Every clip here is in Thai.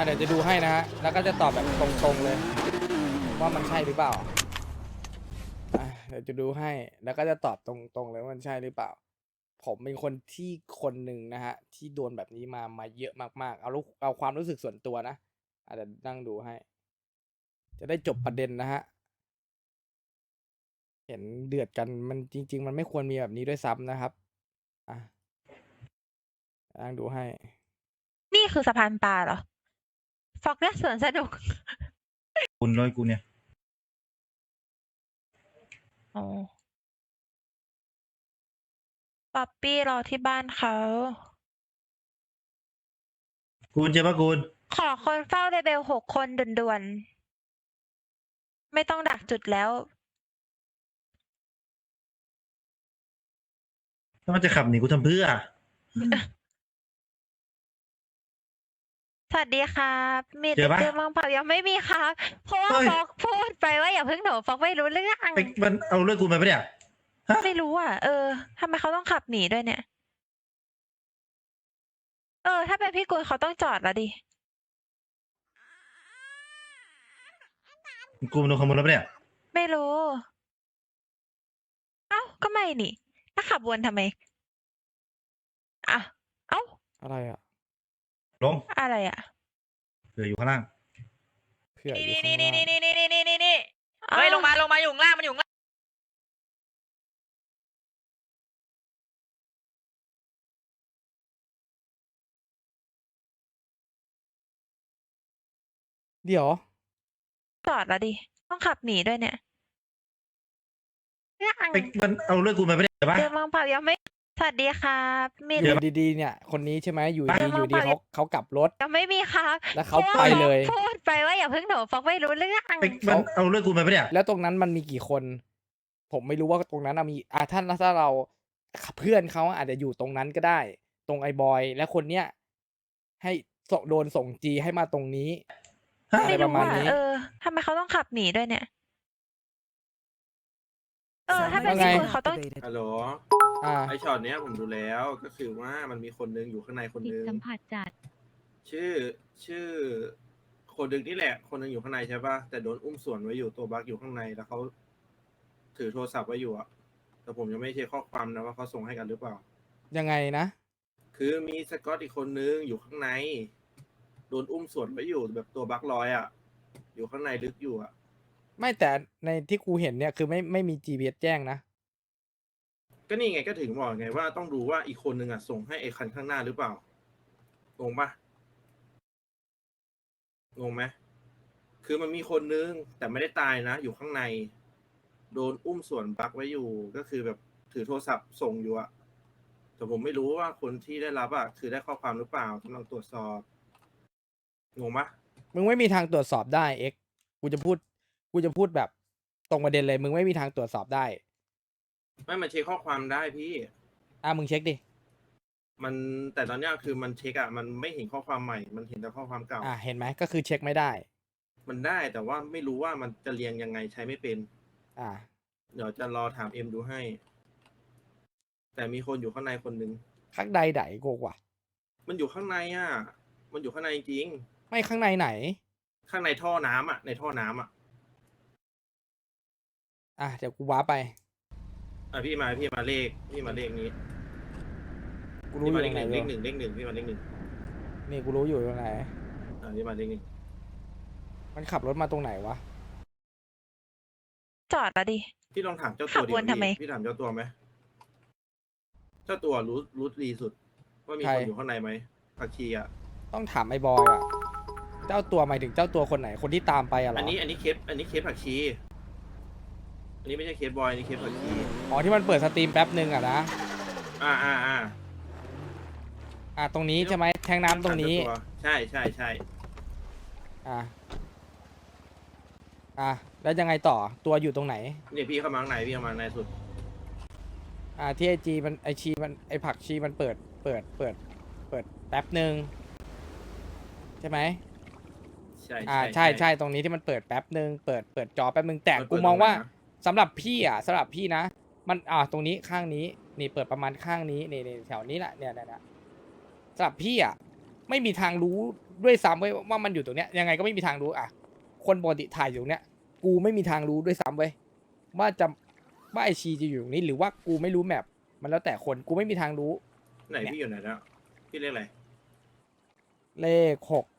เดี๋ยวจะดูให้นะฮะแล้วก็จะตอบแบบตรงๆเลยว่ามันใช่หรือเปล่าเดี๋ยวจะดูให้แล้วก็จะตอบตรงๆเลยว่ามันใช่หรือเปล่าผมเป็นคนที่คนหนึ่งนะฮะที่โดนแบบนี้มาเยอะมากๆเอาความรู้สึกส่วนตัวนะเดี๋ยวนั่งดูให้ จะได้จบประเด็นนะฮะเห็นเดือดกันมันจริงๆมันไม่ควรมีแบบนี้ด้วยซ้ำนะครับอ่ะนั่งดูให้นี่คือสะพานปลาเหรอฟอกเนี่ยสวนสนุกคุณร้อยกูเนี่ยอ๋อป๊อปปี้รอที่บ้านเขาคุณใช่ปะคุณขอคนเฝ้าเลเวล6 คนด่วนๆ ไม่ต้องดักจุดแล้วถ้ามันจะขับหนีกูทำเพื่อสวัสดีครับมีเจอปะเจอมังเปล่ายังไม่มีครับ เพราะว่าเฮ้ยฟอกพูดไปว่าอย่าเพิ่งหนูฟอกไม่รู้เรื่องไปมันเอาเรื่องกูมาปะเนี่ย ฮะไม่รู้อ่ะ ทำไมเขาต้องขับหนีด้วยเนี่ย ถ้าเป็นพี่กุลเขาต้องจอดแล้วดิกูมันโดนขโมยแล้วปะเนี่ยไม่รู้ เอ้า ก็ไม่นี่ถ้าขับวนทำไม อ่ะ เอ้าอะไรอ่ะลงอะไรอ่ะเผื่ออยู่ข้างล่างเผื่ออยู่นี่ข้างนี่ล่างนี่เฮ้ยลงมาอยู่ข้างล่างมันอยู่ข้างล่างเดี๋ยวจอดแล้วดิ ต้องขับหนีด้วยเนี่ยไปมันเอาเรื่องกูมาปะเนี่ยปะเจอมังเปล่ายังไม่ สวัสดีครับมีอยู่ดีๆเนี่ย คนนี้ใช่ไหมอยู่ดีอยู่ดีเขากลับรถยังไม่มีครับแล้วเขาไปเลยพูดไปว่าอย่าเพิ่งหนูฟอกไม่รู้เรื่องไปมันเอาเรื่องกูมาปะเนี่ยแล้วตรงนั้นมันมีกี่คน ผมไม่รู้ว่าตรงนั้นมีถ้าเราเพื่อนเขาอาจจะอยู่ตรงนั้นก็ได้ ตรงไอ้บอยและคนเนี้ยให้โดนส่งจีให้มาตรงนี้ฮะอะไรไม่ปรู้ระมาณอ่ะนี้ทำไมเขาต้องขับหนีด้วยเนี่ย ถ้าเป็นว่าไงพี่กุลเขาต้องฮัลโหลอ่าไอช็อตเนี้ยผมดูแล้วก็คือว่ามันมีคนนึงอยู่ข้างในคนจิตนึงสัมผัสจัดชื่อคนนึงนี่แหละ คนนึงอยู่ข้างในใช่ป่ะแต่โดนอุ้มส่วนไว้อยู่ตัวบั๊กอยู่ข้างในแล้วเขาถือโทรศัพท์ไว้อยู่อะแต่ผมยังไม่เช็คข้อความนะว่าเขาส่งให้กันหรือเปล่ายังไงนะคือมีสกอตอีกคนนึงอยู่ข้างในโดนอุ้มส่วนไว้อยู่แบบตัวบั๊กลอยอะอยู่ข้างในลึกอยู่อะไม่แต่ในที่กูเห็นเนี่ยคือไม่มี GPS แจ้งนะก็นี่ไงก็ถึงบอกไงว่าต้องดูว่าอีกคนนึงอะส่งให้ไอ้คันข้างหน้าหรือเปล่า งงปะงงไหมคือมันมีคนนึงแต่ไม่ได้ตายนะ อยู่ข้างใน โดนอุ้มส่วนบักไว้อยู่ ก็คือแบบถือโทรศัพท์ส่งอยู่อะแต่ผมไม่รู้ว่าคนที่ได้รับอะคือได้ข้อความหรือเปล่ากำลังตรวจสอบ งงปะมึงไม่มีทางตรวจสอบได้เอ็กกูจะพูดแบบตรงประเด็นเลย มึงไม่มีทางตรวจสอบได้ไม่มันเช็คข้อความได้พี่มึงเช็คดิมันแต่ตอนเนี้ยคือมันเช็คอะมันไม่เห็นข้อความใหม่ มันเห็นแต่ข้อความเก่าเห็นไหมก็คือเช็คไม่ได้มันได้แต่ว่าไม่รู้ว่ามันจะเรียงยังไงใช้ไม่เป็นอ่าเดี๋ยวจะรอถามเอ็มดูให้ แต่มีคนอยู่ข้างในคนหนึ่งข้างใดไหนโกกว่ามันอยู่ข้างในอ่ะ มันอยู่ข้างในจริงไม่ข้างในไหนข้างในท่อน้ำอ่ะ ในท่อน้ำอ่ะเดี๋ยวกูว้าไปพี่มาเลขนี้กูรู้พี่อมายู่เลตขรงหไหนนึ่งด้วยเลขหนึ่งพี่มาเลขหนึ่งนี่กูรู้อยู่ตรงไหนพี่มาเลขหนึ่งมันขับรถมาตรงไหนวะจอดแล้วดิพี่ลองถามเจ้าขัตัวบดิวนทำไมพี่ถามเจ้าตัวไหมเจ้าตัวรู้ดีสุด ว่ามีใครคนอยู่ข้างในไหมผักชีอ่ะต้องถามไอ้บอยอ่ะ เจ้าตัวหมายถึงเจ้าตัวคนไหน คนที่ตามไปอะเหรออันนี้เคสผักชี อันนี้ไม่ใช่เคสบอยอันนี้เคสผักชีอ๋อที่มันเปิดสตรีมแป๊บนึงอะนะ ตรงนี้ใช่ไหมแทงน้ำตรงนี้ใช่แล้วยังไงต่อ ตัวอยู่ตรงไหนเนี่ยพี่เข้ามาข้างในพี่เข้ามาข้างในสุดที่ไอจีมันไอชีมันไอผักชีมันเปิดแป๊บหนึ่งใช่ไหมใช่ใช่ตรงนี้ที่มันเปิดแป๊บหนึ่งเปิดจอแป๊บหนึ่งแต่มันเปิกูดมองว่าตรงไหนนะสำหรับพี่นะมันตรงนี้ข้างนี้นี่เปิดประมาณข้างนี้นี่แถวนี้แหละเนี่ยสำหรับพี่ไม่มีทางรู้ด้วยซ้ำเว้ยว่ามันอยู่ตรงเนี้ยยังไงก็ไม่มีทางรู้อ่ะคนปกติถ่ายอยู่ตรงเนี้ยกูไม่มีทางรู้ด้วยซ้ำเว้ยว่าไอชีจะอยู่ตรงนี้หรือว่ากูไม่รู้แมปมันแล้วแต่คนกูไม่มีทางรู้ไหนพี่อยู่ไหนแล้วพี่เรียกอะไรเลขหก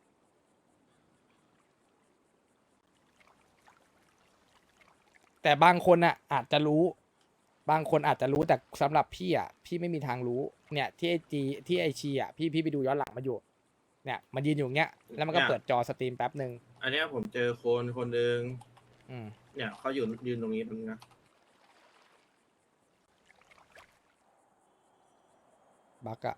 แต่บางคนอ่ะอาจจะรู้ บางคนอาจจะรู้แต่สำหรับพี่อ่ะพี่ไม่มีทางรู้เนี่ยที่ไอจีที่ไอชีอ่ะพี่ไปดูย้อนหลังมาอยู่เนี่ยมันยืนอยู่เงี้ยแล้วมันก็เปิดจอสตรีมแป๊บหนึ่งอันเนี้ยผมเจอคนหนึ่งอืมเนี่ยเขายืนตรงนี้ตรงนี้นะบักอะ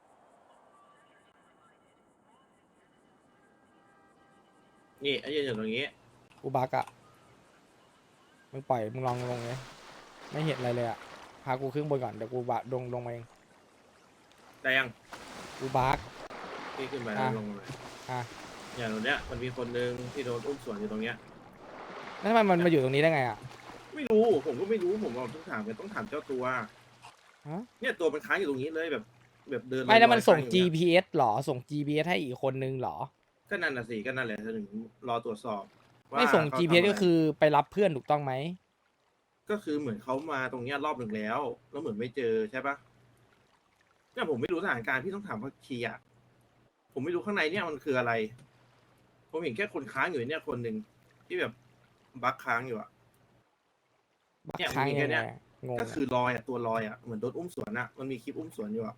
นี่ไอ้ยืนอยู่ตรงนี้กูบักอะมึงปล่อยมึงลองลงเลยไม่เห็นอะไรเลยอะพากูขึ้นบนก่อนเดี๋ยวกูบะลงมาเองได้ยังกูบักพี่ขึ้นไปอ่ะแล้วลงมาเลยอ่ะอย่างตรงเนี้ยมันมีคนหนึ่งที่โดนอุ้มสวนอยู่ตรงเนี้ยแล้วทำไมมันมาอยู่ตรงนี้ได้ไงอะไม่รู้ผมก็ไม่รู้ผมบอกต้องถามต้องถามเจ้าตัวฮะเนี่ยตัวมันค้างอยู่ตรงนี้เลยแบบเดินไม่แล้วมันส่งลอยๆค้าอยู่เย GPS หรอส่ง GPS ให้อีกคนนึงหรอก็นั่นน่ะสิก็นั่นแหละถึงรอตรวจสอบว่าไม่ส่งเขา GPS ทำะไรก็คือไปรับเพื่อนถูกต้องไหมก็คือเหมือนเขามาตรงเนี้ยรอบหนึ่งแล้วเหมือนไม่เจอใช่ปะเนี่ยผมไม่รู้สถานการณ์พี่ต้องถามพักคีอ่ะผมไม่รู้ข้างในเนี่ยมันคืออะไร ผมเห็นแค่คนค้างอยู่เนี่ยคนหนึ่งที่แบบบั๊กค้างอยู่อ่ะบักเนี่ยค้างมียังแค่ไงเนี้ยอะงงก็อะคือลอยอ่ะตัวลอยอ่ะเหมือนโดนอุ้มสวนอ่ะมันมีคลิปอุ้มสวนอยู่อ่ะ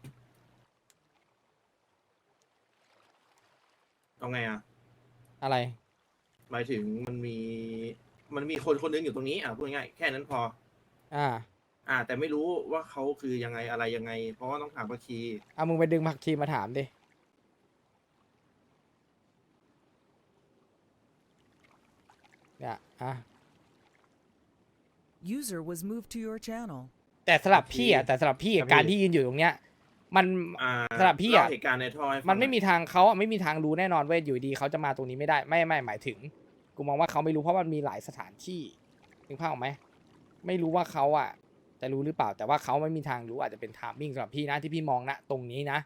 เอาไงอ่ะอะไรหมายถึงมันมีคนหนึงอยู่ตรงนี้อ่ะพูดง่ายๆแค่นั้นพอ แต่ไม่รู้ว่าเขาคือยังไงอะไรยังไง เพราะว่าต้องถามพักคีเอามึงไปดึงผักชีมาถามดิเนี่ยอ่ะ User was moved to your channel. แต่สำหรับพี่อ่ะแต่สำหรับพี่อะการที่ยืนอยู่ตรงเนี้ยมัน สำหรับพี่อะเล่าเหตุการณ์ในท่อให้ฟังมันไม่มีหอยทางเขาอะไม่มีทางรู้แน่นอนเว้ยอยู่ดีเขาจะมาตรงนี้ไม่ได้ไม่หมายถึงกูมองว่าเขาไม่รู้เพราะมันมีหลายสถานที่นึกภาพออกไหมไม่รู้ว่าเขาอ่ะจะรู้หรือเปล่าแต่ว่าเขาไม่มีทางรู้อาจจะเป็นไทมิ่งสำหรับพี่นะที่พี่มองนะตรงนี้นะ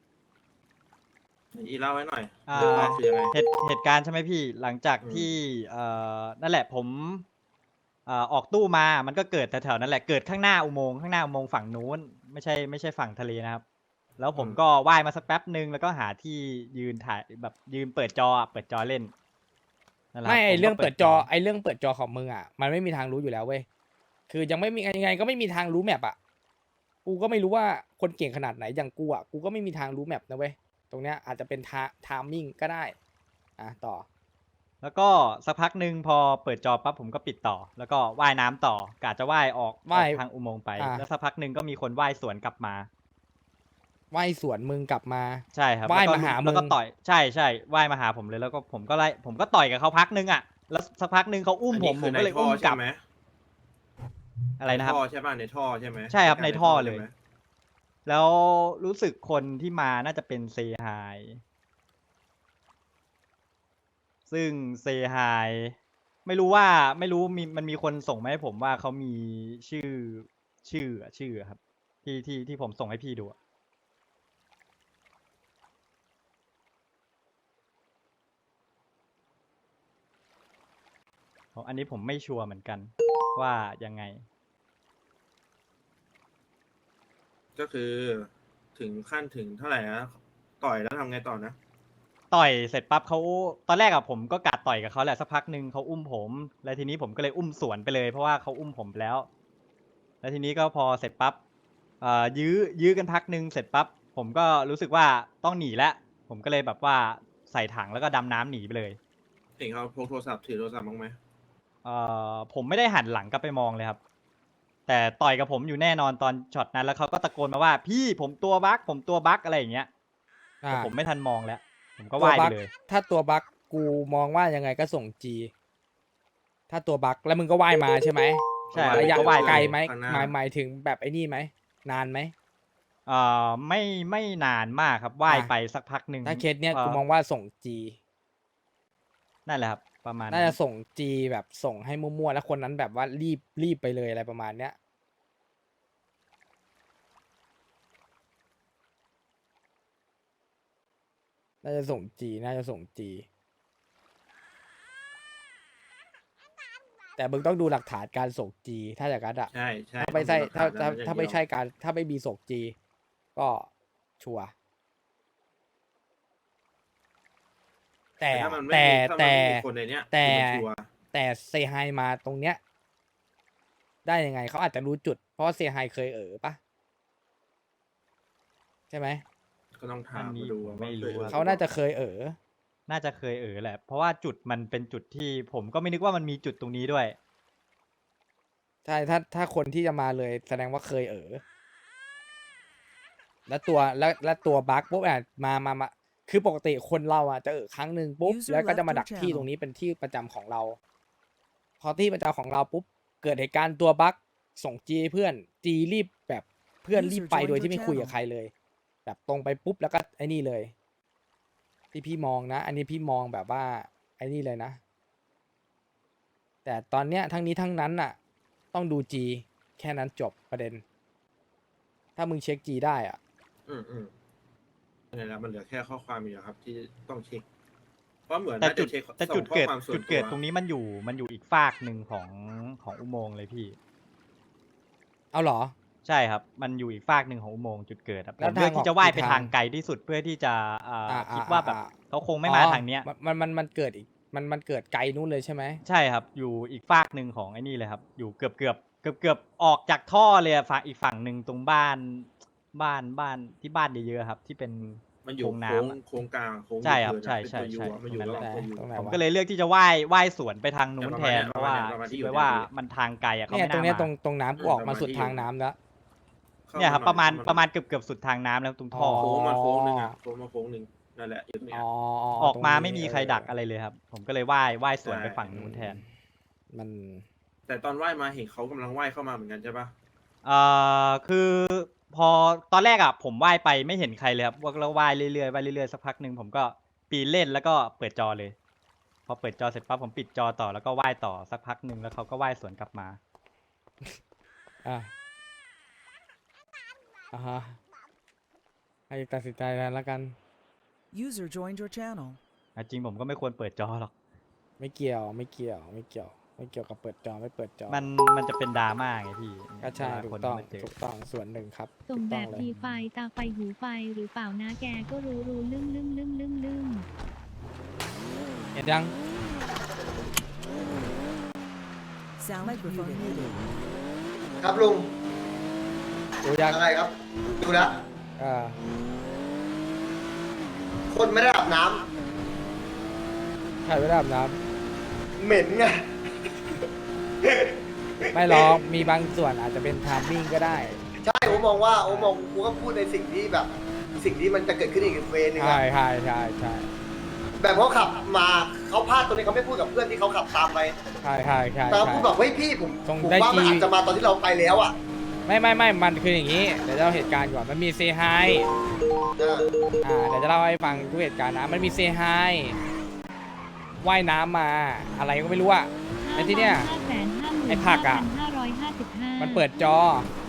อีเล่าไว้หน่อยอ่าเรื่องแรกคือยังไงเหตุการณ์ใช่ไหมพี่หลังจากอืมที่นั่นแหละผมออกตู้มามันก็เกิดแถวๆนั่นแหละเกิดข้างหน้าอุโมงค์ฝั่งนู้นไม่ใช่ฝั่งทะเลนะครับ แล้วผมก็ว่ายมาสักแป๊บหนึ่งแล้วก็หาที่ยืนถ่ายแบบยืนเปิดจอเล่นนั่นแหละไม่คไอผมก็เรื่องเปิดจอไอเรื่องเปิดจอของมึงอ่ะมันไม่มีทางรู้อยู่แล้วเว้ยคือยังไม่มียังไงก็ไม่มีทางรู้แมปอ่ะกูก็ไม่รู้ว่าคนเก่งขนาดไหนอย่างกูอ่ะกูก็ไม่มีทางรู้แมปนะเว้ยตรงเนี้ยอาจจะเป็นไทมิ่งก็ได้ต่อแล้วก็สักพักหนึ่งพอเปิดจอปั๊บผมก็ปิดต่อ แล้วก็ว่ายน้ำต่อกะจะว่ายออกทางอุโมงค์ไป แล้วสักพักหนึ่งก็มีคนว่ายสวนกลับมาว่ายสวนมึงกลับมาใช่ครับว่ายแล้วก็มาหามึงแล้วก็ต่อยใช่ว่ายมาหาผมเลยแล้วก็ผมก็ต่อยกับเขาพักนึงอ่ะแล้วสักพักนึงเขาอุ้มอันผนี้มคือก็เลยในท่อุ้มกใช่ลับไหมอะไรนะครับในท่อใช่ป่ะในท่อใช่ไหมใช่ครับในท่อเลยใช่ไหมแล้วรู้สึกคนที่มาน่าจะเป็นเซฮายซึ่งเซฮายไม่รู้มันมีคนส่งมาให้ผมว่าเขามีชื่อครับที่ผมส่งให้พี่ดูอะอันนี้ผมไม่ชัวร์เหมือนกันว่ายังไงก็คือถึงขั้นถึงเท่าไหร่นะต่อยแล้วทำไงต่อนะต่อยเสร็จปั๊บเขาตอนแรกอะผมก็กัดต่อยกับเขาแหละสักพักหนึ่งเขาอุ้มผม แล้วทีนี้ผมก็เลยอุ้มสวนไปเลยเพราะว่าเขาอุ้มผมไปแล้ว แล้วทีนี้ก็พอเสร็จปั๊บยื้อกันพักหนึ่งเสร็จปั๊บผมก็รู้สึกว่าต้องหนีแล้วผมก็เลยแบบว่าใส่ถังแล้วก็ดำน้ำหนีไปเลยเห็นเขาพกโทรศัพท์ถือโทรศัพท์บ้างไหมผมไม่ได้หันหลังกลับไปมองเลยครับ แต่ต่อยกับผมอยู่แน่นอนตอนช็อตนั้นแล้วเขาก็ตะโกนมาว่าพี่ผมตัวบั๊กอะไรอย่างเงี้ยแต่ผมไม่ทันมองแล้ว ผมก็ว่ายไปเลยถ้าตัวบั๊กกูมองว่ายังไงก็ส่ง G ถ้าตัวบั๊กแล้วมึงก็ว่ายมาใช่ไหมใช่ระยะก็ว่ายไกลไหมข้างน้าหมายถึงแบบไอ้นี่ไหมนานไหมไม่นานมากครับว่ายไปสักพักหนึ่งถ้าเคสเนี้ยกูมองว่าส่ง G นั่นแหละครับประมาณน่าจะส่ง G แบบส่งให้มั่วๆแล้วคนนั้นแบบว่ารีบไปเลยอะไรประมาณเนี้ยน่าจะส่งจีน่าจะส่งจีแต่มึงต้องดูหลักฐานการส่งจีถ้าอย่างนั้นอะใช่ใช่ถ้าไม่ใช่ต้องดูหลักฐนถ้านั้นถ้าอย่งไม่เดียวใช่การถ้าไม่มีส่งจีก็ชัวร์แต่ถ้ามันไม่แต่มีถ้ามันแต่ไม่มีคนในเนี้ยแต่คือมันชัวร์แต่เซไฮมาตรงเนี้ย ได้ยังไงเขาอาจจะรู้จุด เพราะว่าเซไฮเคยปะใช่ไหมก็ต้องถามอันนี้มาดูผมว่าไม่รู้คยอะเขาน่าจะเคยน่าจะเคยแหละ เพราะว่าจุดมันเป็นจุดที่ผมก็ไม่นึกว่ามันมีจุดตรงนี้ด้วยใช่ถ้าคนที่จะมาเลยแสดงว่าเคยแล้วตัวบั๊กปุ๊บมาคือปกติคนเราอ่ะจะครั้งหนึ่งปุ๊บ User แล้วก็จะมา left your ดักที่ channel ตรงนี้เป็นที่ประจำของเรา พอที่ประจำของเราปุ๊บเกิดเหตุการณ์ตัวบั๊กส่งจีเพื่อนจีรีบแบบเพื่อน User รีบไป joined โดย your ที่ไม่คุยกับ channel ใครเลย แบบตรงไปปุ๊บแล้วก็ไอ้นี่เลย ที่พี่มองนะ อันนี้พี่มองแบบว่าไอ้นี่เลยนะ แต่ตอนเนี้ยทั้งนี้ทั้งนั้นน่ะ ต้องดูจีแค่นั้นจบประเด็น ถ้ามึงเช็คจีได้อ่ะนี่นแหละมันเหลือแค่ข้อความอยู่ครับ ที่ต้องเช็ค เพราะเหมือนแต่น่าจุจะดเช็คแต่ส่งจุดข้อเกิดความส่วนจุดเกิดวตรงนี้มันอยู่อีกฝากหนึ่งของอุโมงค์เลยพี่เอาเหรอใช่ครับ มันอยู่อีกฝากหนึ่งของอุโมงค์จุดเกิดอะผแล้วมเลือกทางออกที่จะว่ายไปกี่ทางทางไกลที่สุดเพื่อที่จะคิดว่าแบบอ่าเขาคงไม่มาทางเนี้ยมันเกิดอีกมันเกิดไกลนู้นเลยใช่ไหมใช่ครับ อยู่อีกฝากหนึ่งของไอ้นี่เลยครับ อยู่เกือบออกจากท่อเลยอะฝั่งอีกฝั่งหนึ่งตรงบ้านที่บ้านเยอะๆครับ ที่เป็นมันอยู่โค้งน้ำอะโค้งกลางโค้งใช่ครับเกินอะใช่เป็นใช่ตัวยูใช่อะมันอยู่ตรงระนั้หว่างนแหละตัวยูตรงไหนผมวะก็เลยเลือกที่จะว่ายสวนไปทางนู้นประแทมาณนเนี้ยเพราะว่าประมาณที่คิดอยู่ไว้ว่าเนี่ยมันทางไกลอะเขาเนี่ยไม่ตรงน่าเนี้ยมาตรงน้ำกูออกมาสุดทางน้ำแล้วเข้าเนี่ยครับหประมาณเข้เกือบสุดทางน้ำแล้วตรงท่อโค้งมาโค้งหนึ่งอะโค้งมาโค้งหนึ่งนั่นแหละอยู่เนี่ยออกมาตรงนี้ไม่มีใครดักอะไรเลยครับ ผมก็เลยว่ายสวนไปฝั่งนู้นแทนมันแต่ตอนว่ายมาเห็นเขากำลังว่ายเข้ามาเหมือนกันใช่ปะคือพอตอนแรกอ่ะผมว่ายไปไม่เห็นใครเลยครับแล้วว่ายเรื่อยๆว่ายเรื่อยๆสักพักหนึ่งผมก็ปีนเล่นแล้วก็เปิดจอเลย พอเปิดจอเสร็จปั๊บผมปิดจอต่อแล้วก็ว่ายต่อสักพักหนึ่งแล้วเขาก็ว่ายสวนกลับมาอ่ะฮะให้ตัดสินใจแล้วกัน User joined your channel. จริงผมก็ไม่ควรเปิดจอหรอกไม่เกี่ยวกับเปิดจอไม่เปิดจอมันจะเป็นดราม่าไงพี่ก็ใช่เวลาถูคนกต้องมาเจอถูกต้องส่วนหนึ่งครับส่งถูกแบต้องบเลยดีไฟตาไฟหูไฟหรือเปล่านะแกก็รู้ลืมเห็นยัง Sound muted. ครับลุงดูยังอะไรครับ ดูแล้วอ่าคนไม่ได้อาบน้ใครไม่ได้อาบน้ำเหม็นไงำไม่หรอกมีบางส่วนอาจจะเป็นไทามมิ่งก็ได้ใช่ผมมองว่าผมก็พูดในสิ่งที่แบบ สิ่งที่มันจะเกิดขึ้นอีกเวนึงใช่อะใช่ใช่แบบเขาขับมาเขาพลาดตรงนี้เขาไม่พูดกับเพื่อนที่เขาขับตามไปใช่ใช่แต่เขาพูดแบบเฮ้ยพี่ผมตรงผมได้ว่ามันจีอาจจะมาตอนที่เราไปแล้วอ่ะไม่มันคืออย่างนี้ เดี๋ยวจะเล่าเหตุการณ์ก่อนมันมีเซไฮเออเดี๋ยวจะเล่าให้ฟังทุกเหตุการณ์นะ มันมีเซไฮว่ายน้ำมาอะไรก็ไม่รู้อะ ไอ้ที่เนี่ยไอ้ผักอะ มันเปิดจอ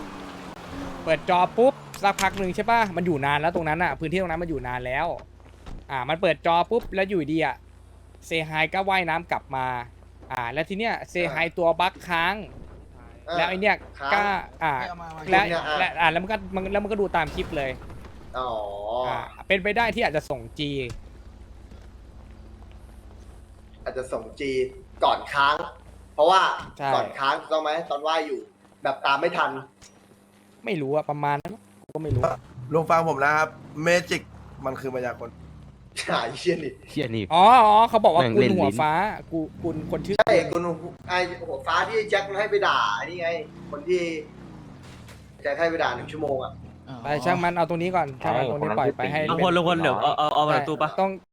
ปุ๊บสักพักหนึ่งใช่ป่ะ มันอยู่นานแล้วตรงนั้นอะพื้นที่ตรงนั้นมันอยู่นานแล้ว มันเปิดจอปุ๊บแล้วอยู่ดีอะเซไฮก็ว่ายน้ำกลับมา แล้วทีเนี้ยเซไฮตัวบั๊กค้าง แล้วไอเนี้ยก็แล้วมันก็ดูตามคลิปเลยอ๋อเป็นไปได้ที่อาจจะส่งจีอาจจะส่งจีก่อนค้าง เพราะว่าใช่ก่อนค้างถูกต้องไหมตอนว่ายอยู่ แบบตามไม่ทันไม่รู้อะประมาณนั้นกูก็ไม่รู้ลุงฟังผมนะครับ เมจิกมันคือมายากลหายเชี่ยนี่เชี่ยนี่อ๋อเขาบอกว่าแม่งกุเล่นนหัวลิ้นฟ้ากุนคนชื่อใช่คุณไอ้หัวฟ้าที่แจ็คมันให้ไปด่านี่ไง คนที่แจ็คให้ไปด่า1 ชั่วโมงอ่ะไปช่างมันเอาตรงนี้ก่อนช่างมันตรงนี้ปล่อยไปให้ลุงพลเดี๋ยวเอามาตู้ปะต้อง